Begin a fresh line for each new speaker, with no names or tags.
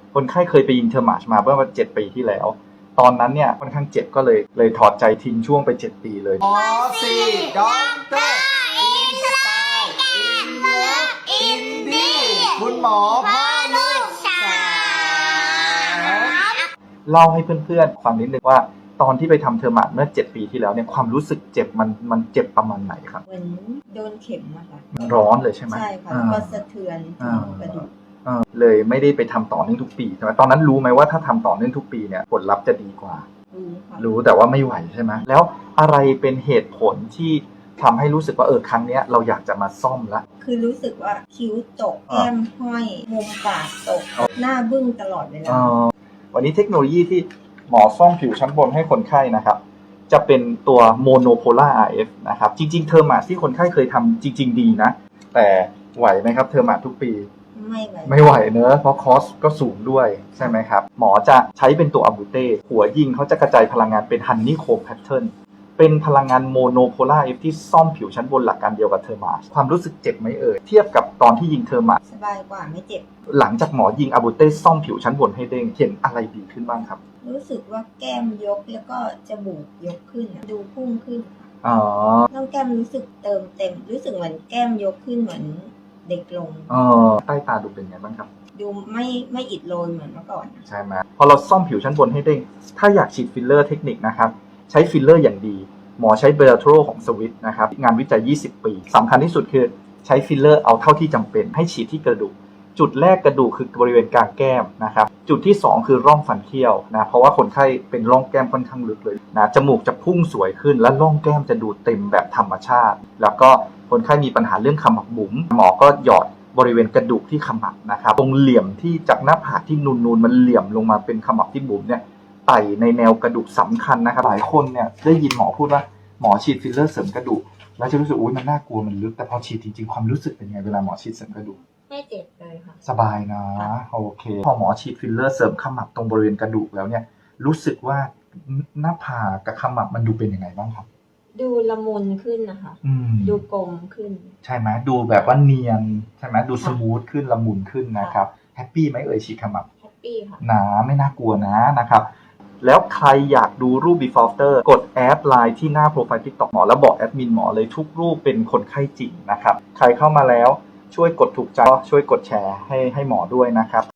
คนไข้เคยไปยิงเทอร์มาชมาเมื่อ7 ปีที่แล้วตอนนั้นเนี่ยค่อนข้างเจ็บก็เลยถอดใจทิ้งช่วงไป7 ปีเลย
หมอซีด็อกเตอร์อินสไตล์อินเลิฟอินดี้คุณหมอพ่อลูกสาว
เล่าให้เพื่อนๆฟังนิดนึงว่าตอนที่ไปทำเทอร์มาชเมื่อ7 ปีที่แล้วเนี่ยความรู้สึกเจ็บมันเจ็บประมาณไหนครับ
เหมือนโดนเข็มอะค่ะ
มันร้อนเลยใช่ไหม
ใช่ค่ะก็สะเทือนกระดูก
เลยไม่ได้ไปทำต่อเนื่องทุกปีใช่ไหมตอนนั้นรู้ไหมว่าถ้าทำต่อเนื่องทุกปีเนี่ยผลลัพธ์จะดีกว่ารู้แต่ว่าไม่ไหวใช่ไหมแล้วอะไรเป็นเหตุผลที่ทำให้รู้สึกว่าครั้งนี้เราอยากจะมาซ่อมละ
คือรู้สึกว่าคิ้วตกแก้มห้อยมุมปากตกหน้าบึ้งตลอดเวลา
วันนี้เทคโนโลยีที่หมอซ่อมผิวชั้นบนให้คนไข้นะครับจะเป็นตัว Monopolar RF นะครับจริงๆเทอร์มาสที่คนไข้เคยทำจริงๆดีนะแต่ไหวไหมครับเทอร์มาสทุกปีไม่ไหวเนอะเพราะคอสก็สูงด้วยใช่ไหมครับหมอจะใช้เป็นตัวอะบูเต้หัวยิงเขาจะกระจายพลังงานเป็นฮันนี่โคมแพทเทิร์นเป็นพลังงานโมโนโพล่าเอฟที่ซ่อมผิวชั้นบนหลักการเดียวกับเทอร์มาสความรู้สึกเจ็บไหมเทียบกับตอนที่ยิงเทอร์มาส
สบายกว่าไม่เจ็บ
หลังจากหมอยิงอะบูเต้ซ่อมผิวชั้นบนให้เด้งเห็นอะไรดีขึ้นบ้างครับ
รู้สึกว่าแก้มยกแล้วก็จมูกยกขึ้นดูพุ่งขึ้นต้องแก้มรู้สึกเติมเต็มรู้สึกเหมือนแก้มยกขึ้นเหมือนเด็กลง
ใต้ตาดูเป็นไงบ้างครับ
ดูไม่อิดโรยเหมือนเมื่อก่อน
ใช่ไหมพอเราซ่อมผิวชั้นบนให้เด้งถ้าอยากฉีดฟิลเลอร์เทคนิคนะครับใช้ฟิลเลอร์อย่างดีหมอใช้เบลโทรของสวิตนะครับงานวิจัย20 ปีสำคัญที่สุดคือใช้ฟิลเลอร์เอาเท่าที่จำเป็นให้ฉีดที่กระดูกจุดแรกกระดูกคือบริเวณกลางแก้มนะครับจุดที่2คือร่องฟันเคี้ยวนะเพราะว่าคนไข้เป็นร่องแก้มค่อนข้างลึกเลยนะจมูกจะพุ่งสวยขึ้นและร่องแก้มจะดูเต็มแบบธรรมชาติแล้วก็คนไข้มีปัญหาเรื่องขมับบุ๋มหมอก็หยอดบริเวณกระดูกที่ขมับนะครับตรงเหลี่ยมที่จากหน้าผากที่นูนๆมันเหลี่ยมลงมาเป็นขมับที่บุ๋มเนี่ยไต่ในแนวกระดูกสำคัญนะครับหลายคนเนี่ยได้ยินหมอพูดว่าหมอฉีดฟิลเลอร์เสริมกระดูกแล้วจะรู้สึกมันน่ากลัวมันลึกแต่พอฉีดจริงๆความรู้สึกเป็นไงเวลาหมอฉีดเสริมกระดูก
ไม่เจ็บเลยค่ะ
สบายนะโอเคพอหมอฉีดฟิลเลอร์เสริมขมับตรงบริเวณกระดูกแล้วเนี่ยรู้สึกว่าหน้าผากกับขมับมันดูเป็นยังไงบ้างครับ
ดูละมุนขึ้นนะคะดูกลมขึ้น
ใช่ไหมดูแบบว่าเนียนใช่ไหมดูสมูทขึ้นละมุนขึ้นนะครับแฮปปี้ไหมฉีดขมับ
แฮปปี้ค่ะ
นะไม่น่ากลัวนะครับแล้วใครอยากดูรูป before after กดแอดไลน์ที่หน้าโปรไฟล์ TikTok หมอแล้วบอกแอดมินหมอเลยทุกรูปเป็นคนไข้จริงนะครับใครเข้ามาแล้วช่วยกดถูกใจช่วยกดแชร์ให้หมอด้วยนะครับ